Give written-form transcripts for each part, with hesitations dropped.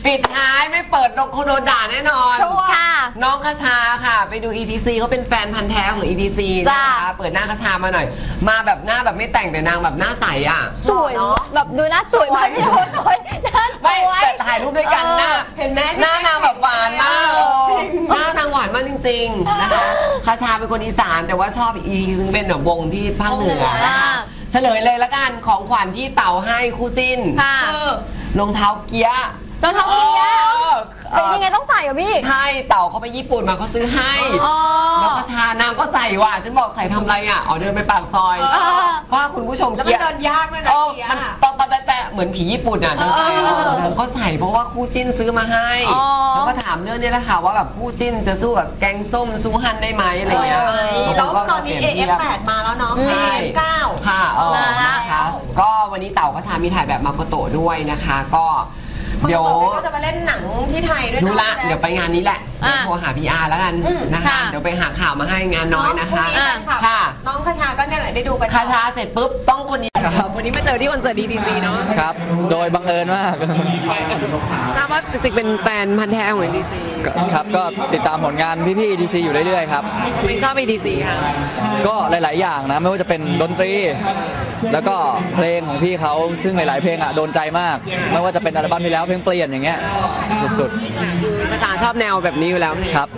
ปิดท้ายไม่เปิดโดนด่าแน่นอนค่ะน้องคชาค่ะไปดู ETC เขาเป็นแฟนพันธ์แท้ของ ETC นะคะเปิดหน้าคชามาหน่อยมาแบบหน้าแบบไม่แต่งแต่นางแบบหน้าใสอ่ะสวยเนาะแบบดูหน้าสวยมากพี่โอ้สวยหน้าสวยแต่ถ่ายรูปด้วยกันหน้าเห็นไหมหน้านางแบบหวานมากหน้านางหวานมากจริงๆนะคะคชาเป็นคนอีสานแต่ว่าชอบอีกซึ่งเป็นแบบวงที่ภาคเหนือนะคะเฉลยเลยละกันของขวัญที่เต่าให้คู่จิ้นคือรองเท้าเกียร์รองเท้าเกียร์เป็นยังไงต้องใส่เหรอพี่ใช่เต่าเขาไปญี่ปุ่นมาเขาซื้อให้แล้วคชานางก็ใส่ว่ะฉันบอกใส่ทำไรอ่ะเดินไปปากซอยเพราะคุณผู้ชมเกียร์เดินยากด้วยนะเกียร์ตอนแต่เหมือนผีญี่ปุ่นอ่ะจังใส่เขาใส่เพราะว่าคู่จิ้นซื้อมาให้แล้วก็ถามเรื่องนี้แหละค่ะว่าแบบคู่จิ้นจะสู้กับแกงส้มสู้ฮันได้ไหมอะไรเงี้ยแล้วตอนนี้ AF8 มาแล้วเนาะ AF9 ค่ะนะคะก็วันนี้เต่าคชามีถ่ายแบบมาโกโตะด้วยนะคะก็เดี๋ยวก็จะมาเล่นหนังที่ไทยด้วยดูละเดี๋ยวไปงานนี้แหละโทรหาพี่อาร์แล้วกันนะคะเดี๋ยวไปหาข่าวมาให้งานน้อยนะคะค่ะน้องคชาก็เนี่ยแหละได้ดูกันคชาเสร็จปุ๊บต้องคนนี้ครับวันนี้มาเจอที่คอนเสิร์ตดีๆเนาะครับโดยบังเอิญมากทราบว่าจริงๆเป็นแฟนพันธ์แท้ของ ETC ครับก็ติดตามผลงานพี่ๆ ETC อยู่เรื่อยๆครับไม่ชอบ ETC ค่ะก็หลายๆอย่างนะไม่ว่าจะเป็นดนตรีแล้วก็เพลงของพี่เขาซึ่งหลายๆเพลงอ่ะโดนใจมากไม่ว่าจะเป็นอัลบั้มที่แล้วเพลงเปลี่ยนอย่างเงี้ยสุดๆภาษาชอบแนวแบบนี้อยู่แล้วครับ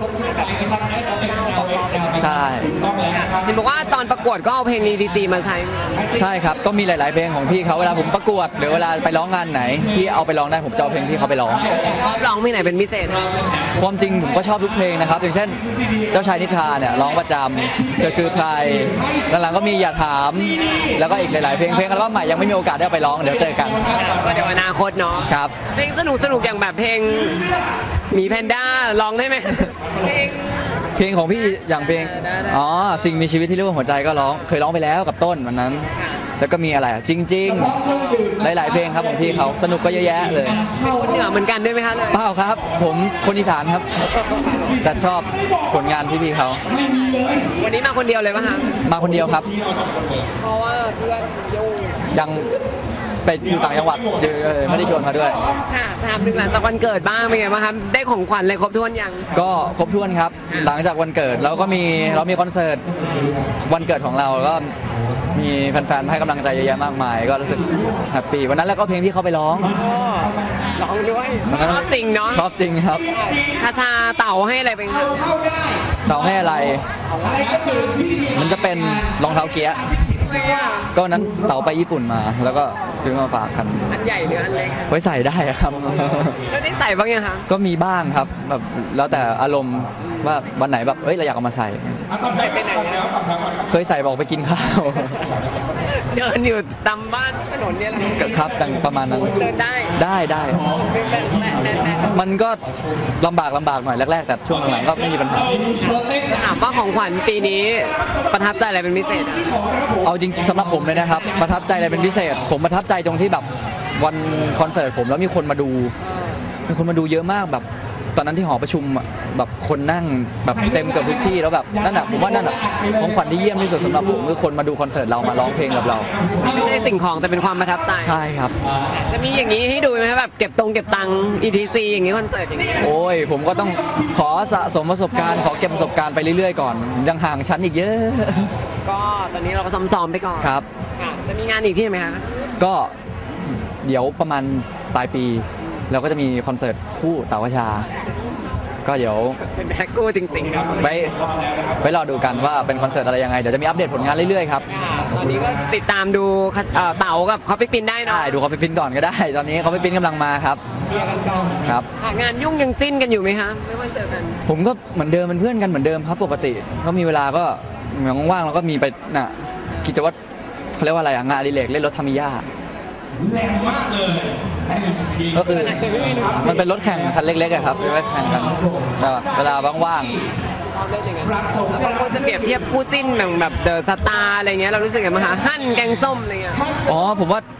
ใช่เห็นบอกว่าตอนประกวดก็เอาเพลง ETC มาใช้ใช่ครับก็มีหลายๆเพลงของพี่เขาเวลาผมประกวดหรือเวลาไปร้องงานไหนที่เอาไปร้องได้ผมจะเอาเพลงที่เขาไปร้องร้องเพลงไหนเป็นพิเศษความจริงผมก็ชอบทุกเพลงนะครับอย่างเช่นเจ้าชายนิทราเนี่ยร้องประจำเธอคือใครหลังๆก็มีอย่าถามแล้วก็อีกหลายๆเพลงอัลบั้มใหม่ยังไม่มีโอกาสได้ไปร้องเดี๋ยวเจอกันก็เดี๋ยวอนาคตเนาะครับเพลงสนุกอย่างแบบเพลงหมีแพนด้าร้องได้ไหมเพลงของพี่อย่างเพลงสิ่งมีชีวิตที่เรียกว่าหัวใจก็ร้องเคยร้องไปแล้วกับต้นวันนั้นแล้วก็มีอะไรจริงๆหลายๆเพลงครับของพี่เขาสนุกก็เยอะแยะเลยคนเหนือเหมือนกันด้วยไหมคะเปล่าครับผมคนอีสานครับแต่ชอบผลงานพี่เขาวันนี้มาคนเดียวเลยป่ะคะมาคนเดียวครับเพราะว่าเพื่อนยังไปอยู่ต่างจังหวัดไม่ได้ชวนมาด้วยค่ะถามถึงหลังจากวันเกิดบ้างเป็นไงบ้างครับได้ของขวัญอะไรครบถ้วนยังก็ครบถ้วนครับหลังจากวันเกิดเรามีคอนเสิร์ตวันเกิดของเราก็มีแฟนๆให้กำลังใจเยอะแยะมากมายก็รู้สึกแฮปปี้วันนั้นแล้วก็เพลงที่เขาไปร้องด้วยชอบจริงเนาะชอบจริงครับคชาเต่าให้อะไรเป็นเต่าให้อะไรมันจะเป็นรองเท้าเกียร์ก็นั้นเต่าไปญี่ปุ่นมาแล้วก็ซื้อมาฝากกันอันใหญ่หรืออันเล็กไว้ใส่ได้ครับแล้วได้ใส่บ้างยังคะก็มีบ้างครับแบบแล้วแต่อารมณ์ว่าวันไหนแบบเราอยากเอามาใส่เคยใส่บอกไปกินข้าวเดินอยู่ตามบ้านถนนเนี่ยครับประมาณนั้นเดินได้มันก็ลำบากหน่อยแรกๆแต่ช่วงหลังๆก็ไม่มีปัญหาถามว่าของขวัญปีนี้ประทับใจอะไรเป็นพิเศษเอาจริงสำหรับผมเลยนะครับประทับใจอะไรเป็นพิเศษผมประทับใจตรงที่แบบวันคอนเสิร์ตผมแล้วมีคนมาดูเยอะมากแบบตอนนั้นที่หอประชุมแบบคนนั่งแบบเต็มเกือบทุกที่แล้วแบบนั่นน่ะผมว่านั่นน่ะของขวัญที่เยี่ยมที่สุดสำหรับผมคือคนมาดูคอนเสิร์ตเรามาร้องเพลงกับเราไม่ใช่สิ่งของแต่เป็นความประทับใจใช่ครับจะมีอย่างนี้ให้ดูไหมครับแบบเก็บตังค์ ETC อย่างนี้คอนเสิร์ตอย่างนี้โอ้ยผมก็ต้องขอสะสมประสบการณ์ขอเก็บประสบการณ์ไปเรื่อยๆก่อนยังห่างชั้นอีกเยอะก็ตอนนี้เราก็ซ้อมไปก่อนครับจะมีงานอีกที่ไหมคะก็เดี๋ยวประมาณปลายปีเราก็จะมีคอนเสิร์ตคู่เต๋า คชาก็เดี๋ยวเป็นแพ็กกู้จริงๆไว้รอดูกันว่าเป็นคอนเสิร์ตอะไรยังไงเดี๋ยวจะมีอัปเดตผลงานเรื่อยๆครับตอนนี้ก็ติดตามดูเต๋ากับคอฟฟี่ปิ้นได้เนาะดูคอฟฟี่ปิ้นก่อนก็ได้ตอนนี้คอฟฟี่ปิ้นกำลังมาครับครับงานยุ่งยังจิ้นกันอยู่ไหมคะไม่ว่าเจอกันผมก็เหมือนเดิมเป็นเพื่อนกันเหมือนเดิมครับปกติก็มีเวลาก็ว่างๆเราก็มีไปกิจวัตรเขาเรียกว่าอะไรงานอดิเรกเล่นรถทามิยาแรงมากเลยก็คือมันเป็นรถแข่งคันเล็กๆอะครับเป็นรถแข่งกันเวลาว่างๆบางคนจะเปรียบเทียบคู่จิ้นแบบเดอะสตาร์อะไรเงี้ยเรารู้สึกไงบ้างคะฮั่นแกงส้มอะไรเงี้ยผมว่า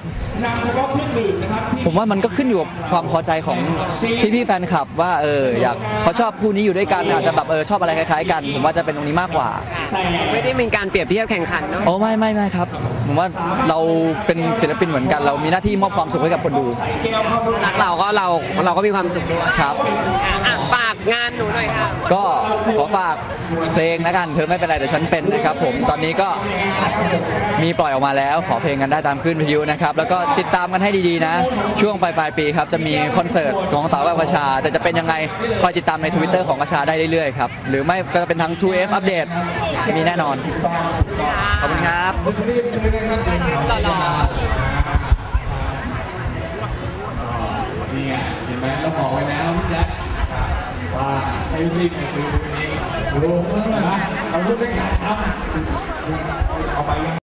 มันก็ขึ้นอยู่กับความพอใจของพี่แฟนคลับว่าอยากเขาชอบคู่นี้อยู่ด้วยกันอาจจะแบบชอบอะไรคล้ายๆกันผมว่าจะเป็นตรงนี้มากกว่าไม่ได้เป็นการเปรียบเทียบแข่งขันเนาะไม่ครับผมว่าเราเป็นศิลปินเหมือนกันเรามีหน้าที่มอบความสุขให้กับคนดูรักเราก็มีความสุขด้วยครับฝากงานหนูหน่อยค่ะก็ขอฝากเพลงแล้วกันเธอไม่เป็นไรแต่ฉันเป็นนะครับผมตอนนี้ก็มีปล่อยออกมาแล้วขอเพลงกันได้ตามคลื่นวิทยุนะครับแล้วก็ติดตามกันให้ดีๆนะช่วงปลายปีครับจะมีคอนเสิร์ตของเต๋ากับกระชาแต่จะเป็นยังไงคอยติดตามใน Twitter ของกระชาได้เรื่อยๆครับหรือไม่ก็จะเป็นทาง True F อัปเดตมีแน่นอนขอบคุณครับนี่ไงเห็นไหมเราบอกไว้แล้วพี่แจ๊คว่าให้รีบไปซื้อวันนี้ดูนะเราพูดไม่ขาดครับเอาไปยัง